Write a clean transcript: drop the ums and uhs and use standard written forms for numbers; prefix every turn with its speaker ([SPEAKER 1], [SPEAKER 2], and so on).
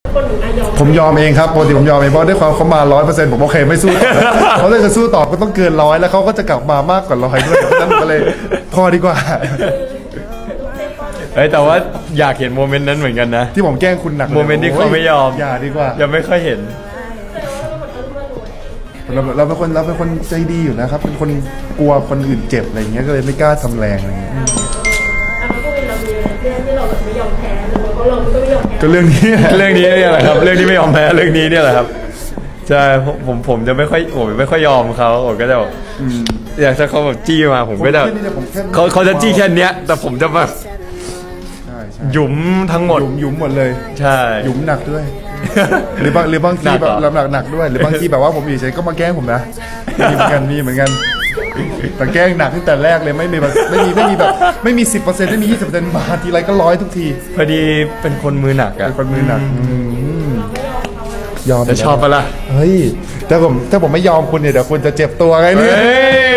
[SPEAKER 1] คนหนึ่งยอม
[SPEAKER 2] ผมยอมเองครับปกติผมยอมเองเพราะด้วยความเขามา 100%ผมโอเคไม่สู้ต่อเขาเลยจะสู้ต่อก็ต้องเกิน100แล้วเขาก็จะกลับมามากกว่า100ด้วยเพราะฉะนั้นผมก็เลยพอดีกว่า
[SPEAKER 3] แต่ว่าอยากเห็นโมเมนต์นั้นเหมือนกันนะ
[SPEAKER 2] ที่ผมแกล้งคุณหนักลย
[SPEAKER 3] โมเมนต์ที่เขาไม่ยอม
[SPEAKER 2] อย่าดีกว่า
[SPEAKER 3] ยังไม่ค่อยเห็น
[SPEAKER 2] เราเป็นคนใจดีอยู่นะครับ เป็นคนกลัวคนอื่นเจ็บอะไรอย่างเงี้ยก็เลยไม่กล้าทำแรงอะไรอย่างเงี้ย
[SPEAKER 1] แล้วก็เป็นเรามีเรื่องที่เราแบบไม่ยอมแพ้หรือว่าเราก็ไม่ยอมแพ้
[SPEAKER 2] ก็เรื่องนี้
[SPEAKER 3] เรื่องนี้เนี่ยแหละครับ เรื่องที่ไม่ยอมแพ้เรื่องนี้เนี่ยแหละครับใช่ผมจะไม่ค่อยยอมเขาผมก็จะแบบอยากถ้าเขาแบบจี้มาผมก็จะเขาจะจี้แค่เนี้ย แต่ผมจะแบบ
[SPEAKER 2] ใช่
[SPEAKER 3] หยุมทั้งหมด
[SPEAKER 2] หยุมหมดเลย
[SPEAKER 3] ใช่
[SPEAKER 2] หยุมหนักด้วย หรือบางที
[SPEAKER 3] หนักเห
[SPEAKER 2] แบ
[SPEAKER 3] รอ
[SPEAKER 2] บหนักด้วย หรือบางทีแบบว่าผมอยู่เฉยก็มาแกล้งผมนะมีเหมือนกันแต่แกล้งหนักตั้งแต่แรกเลยไม่มีแบบไม่มี10%ไม่มี20%มาทีไรก็100ทุกที
[SPEAKER 3] พอดีเป็นคนมือหนักอะ
[SPEAKER 2] เป็นคนมือหนักยอม
[SPEAKER 3] จะชอบปะล่ะ
[SPEAKER 2] เฮ้ยถ้าผมไม่ยอมคุณเนี่ยเดี๋ยวคุณจะเจ็บตัวไงเนี่ย
[SPEAKER 3] เฮ้ย